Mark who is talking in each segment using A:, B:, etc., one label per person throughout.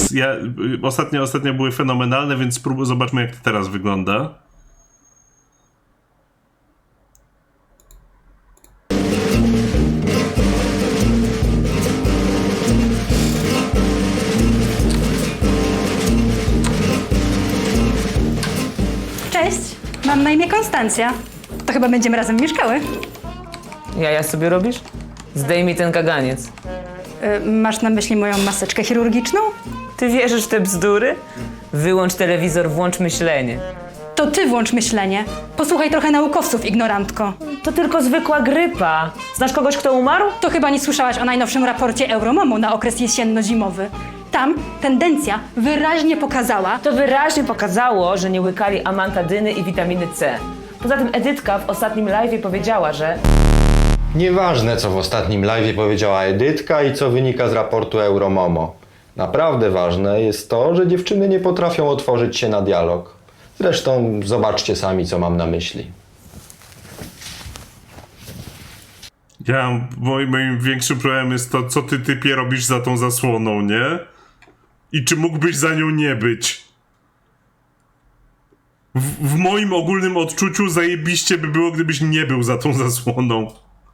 A: Więc ostatnio były fenomenalne, więc zobaczmy, jak to teraz wygląda.
B: Cześć, mam na imię Konstancja. To chyba będziemy razem mieszkały.
C: Jaja sobie robisz? Zdejmij ten kaganiec.
B: Masz na myśli moją maseczkę chirurgiczną?
C: Ty wierzysz w te bzdury? Wyłącz telewizor, włącz myślenie.
B: To ty włącz myślenie. Posłuchaj trochę naukowców, ignorantko.
C: To tylko zwykła grypa. Znasz kogoś, kto umarł?
B: To chyba nie słyszałaś o najnowszym raporcie Euromomu na okres jesienno-zimowy. Tam tendencja wyraźnie pokazała,
C: To wyraźnie pokazało, że nie łykali amantadyny i witaminy C. Poza tym Edytka w ostatnim live'ie powiedziała, że...
D: Nieważne, co w ostatnim live'ie powiedziała Edytka i co wynika z raportu Euromomo. Naprawdę ważne jest to, że dziewczyny nie potrafią otworzyć się na dialog. Zresztą zobaczcie sami, co mam na myśli.
A: Moim większym problemem jest to, co ty, typie, robisz za tą zasłoną, nie? I czy mógłbyś za nią nie być? W moim ogólnym odczuciu zajebiście by było, gdybyś nie był za tą zasłoną.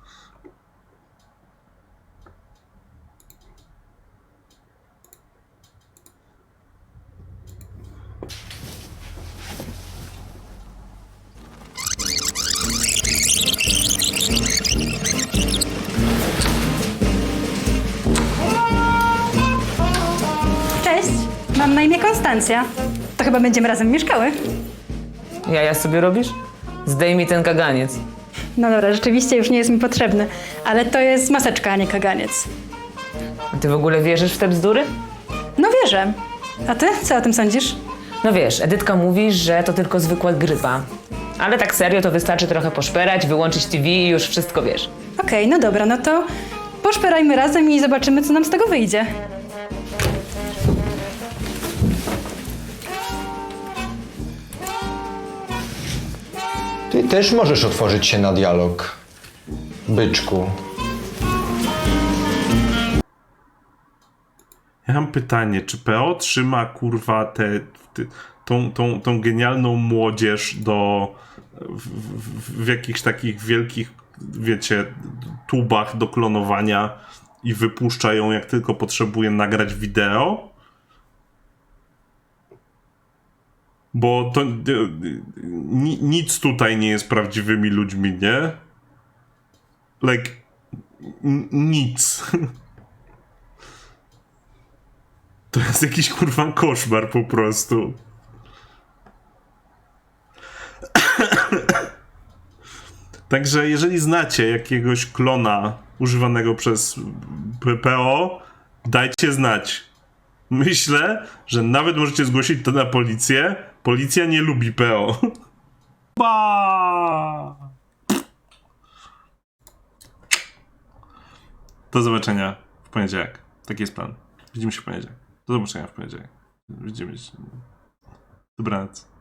B: cześć, mam na imię Konstancja. To chyba będziemy razem mieszkały.
C: Jaja sobie robisz? Zdejmij ten kaganiec.
B: No dobra, rzeczywiście już nie jest mi potrzebny, ale to jest maseczka, a nie kaganiec.
C: A ty w ogóle wierzysz w te bzdury?
B: No wierzę. A ty? Co o tym sądzisz?
C: No wiesz, Edytka mówi, że to tylko zwykła grypa. Ale tak serio to wystarczy trochę poszperać, wyłączyć TV i już wszystko wiesz.
B: Okej, no dobra, no to poszperajmy razem i zobaczymy, co nam z tego wyjdzie.
D: Ty też możesz otworzyć się na dialog, byczku.
A: Ja mam pytanie, czy PO trzyma, kurwa, tą genialną młodzież w jakichś takich wielkich, wiecie, tubach do klonowania i wypuszcza ją, jak tylko potrzebuje nagrać wideo? Bo to nic tutaj nie jest prawdziwymi ludźmi, nie? Like, nic. To jest jakiś, kurwa, koszmar po prostu. Także jeżeli znacie jakiegoś klona używanego przez PO, dajcie znać. Myślę, że nawet możecie zgłosić to na policję. Policja nie lubi PO. Ba! Do zobaczenia w poniedziałek. Taki jest plan. Widzimy się w poniedziałek. Do zobaczenia w poniedziałek. Widzimy się. Dobranoc.